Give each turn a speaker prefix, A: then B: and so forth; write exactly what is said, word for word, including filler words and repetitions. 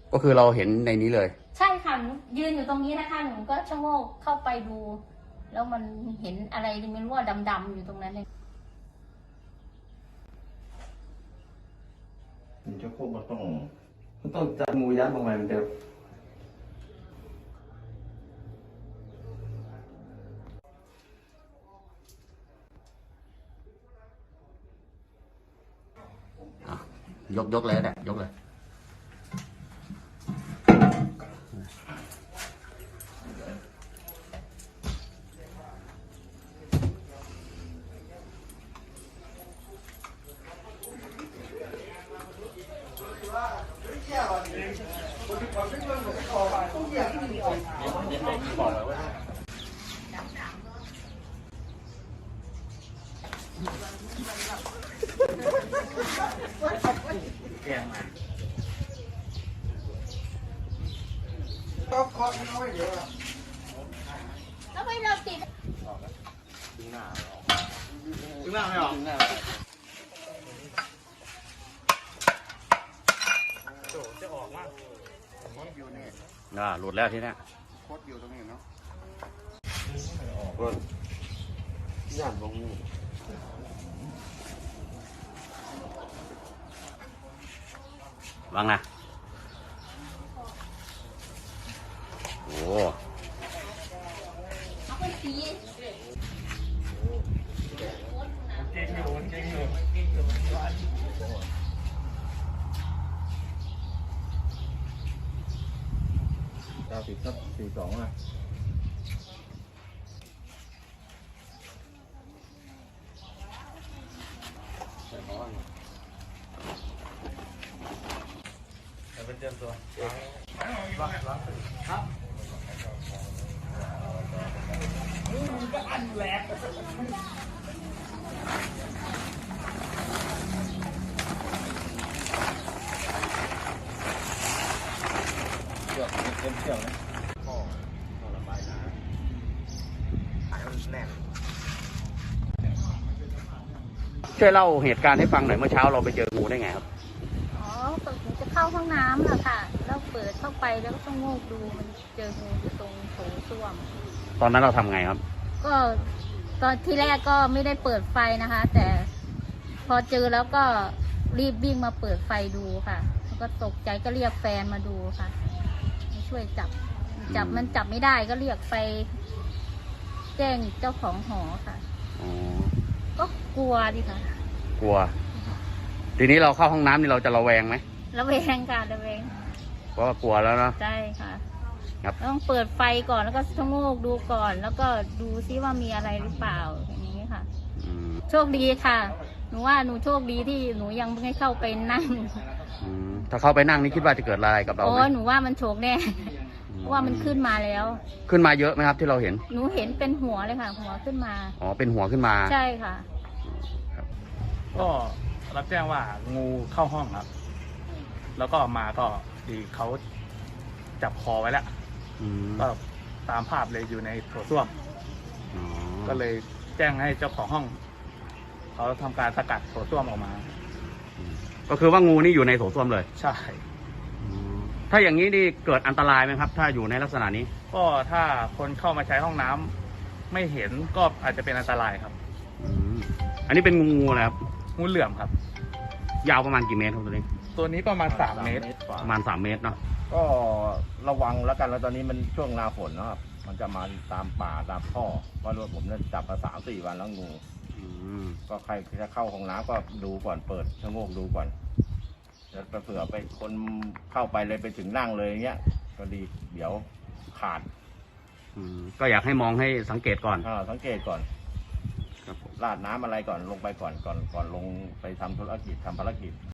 A: ก็คือเราเห็นในนี้เลย
B: ใช่ค่ะยืนอยู่ตรงนี้นะคะหนูก็ชะโงกเข้าไปดู แล้วมันเห็นอะไรไม่รู้ว่าดำๆอยู่ตรงนั้นเลย
C: มันจะควบมันต้องมันต้องจับงูยัดลงไปมันเดียว
A: ยกยกเลยนะยกเลย
D: ก็เคาะน้อยเดียว
B: แล้วไม่เราติด
D: ดึงหน้าดึงหน้าไม่ออกดึงหน้าโจจะออกมากโคตรอยู่นี่
A: อ่าหลุดแล้วทีนี้
D: โคตรอยู่ตรงนี้เนาะ
C: ออกรถย่านลงงู
A: วางนะโอ้
B: เขาเป็นสี
D: เก่งอยู่เก่งอยู่เก้าสิบทับสี่สองอ่ะใส่หม้อเป็นเตรียมตัวล้างล้างครับมันก็อันแหลกเชือกเต็มเชือกนะพ่อพ่อระบายน้ำหายมันแน่น
A: ช่วยเล่าเหตุการณ์ให้ฟังหน่อยเมื่อเช้าเราไปเจองูได้ไงครับ
B: อ๋อหนูจะเข้าห้องน้ำอะค่ะ แล้วเปิดเข้าไปแล้วก็ต้องโงกดูมันเจองูอยู่ตรงโถส้วม
A: ตอนนั้นเราทำไงครับ
B: ก็ตอนที่แรกก็ไม่ได้เปิดไฟนะคะ แต่พอเจอแล้วก็รีบวิ่งมาเปิดไฟดูค่ะแล้วก็ตกใจก็เรียกแฟนมาดูค่ะมาช่วยจับ จับมันจับไม่ได้ก็เรียกไปแจ้งเจ้าของหอค่ะ
A: อ๋อ
B: ก็กลัวดิค่ะ
A: กลัว ทีนี้เราเข้าห้องน้ำนี่เราจะระแวงไหม
B: ระแวงค่ะระแวง
A: เพราะว่ากลัวแล้วเนาะ
B: ใช่ค่ะ
A: ครับ
B: ต้องเปิดไฟก่อนแล้วก็ชะโงกดูก่อน แล้วก็ดูซิว่ามีอะไรหรือเปล่าอย่างนี้ค่ะ
A: อืม
B: โชคดีค่ะ หนูว่าหนูโชคดีที่หนูยังไม่เข้าไปนั่ง
A: อืมถ้าเข้าไปนั่งนี่คิดว่าจะเกิดอะไรกับเรา
B: โอ้
A: ไหม
B: หนูว่ามันโชคแน่ เพราะว่ามันขึ้นมาแล้ว
A: ขึ้นมาเยอะไหมครับที่เราเห็น
B: หนูเห็นเป็นหัวเลยค่ะ หัวขึ้นมา
A: อ๋อ เป็นหัวขึ้นมา
B: ใช่ค่ะ
E: ก็รับแจ้งว่างูเข้าห้องครับ แล้วก็มาก็ดีเขาจับคอไว้แล้ว
A: อืม
E: ก็ตามภาพเลยอยู่ในโถส้วม
A: อ๋อ
E: ก็เลยแจ้งให้เจ้าของห้องเขาทำการสกัดโถส้วมออกมา
A: ก็คือว่างูนี่อยู่ในโถส้วมเลย
E: ใช่
A: อืมถ้าอย่างนี้นี่เกิดอันตรายไหมครับ ถ้าอยู่ในลักษณะนี้
E: ก็ถ้าคนเข้ามาใช้ห้องน้ำไม่เห็นก็อาจจะเป็นอันตรายครับ
A: อืมอันนี้เป็นงูงูอะไรครับ
E: งูเหลือมครับ
A: ยาวประมาณกี่เมตรครับตัวนี้
E: ตัวนี้ประมาณสามเมตร
A: ประมาณสามเมตรเนาะ
C: ก็ระวังแล้วกันแล้วตอนนี้มันช่วงหน้าฝนนะครับมันจะมาตามป่าตามท่อเพราะว่าผมเนี่ยจับมาสามสี่วันแล้วงู
A: อืม
C: ก็ใครจะเข้าห้องน้ำก็ดูก่อนเปิดชะโงกดูก่อนแล้วเผื่อไปคนเข้าไปเลยไปถึงนั่งเลยอย่างเงี้ยก็ดีเดี๋ยวขาด
A: อืมก็อยากให้มองให้สังเกตก่อน
C: อ่าสังเกตก่อน
A: ครับผม
C: ราดน้ำอะไรก่อนลงไปก่อนก่อนก่อนลงไปทำธุรกิจทำภารกิจ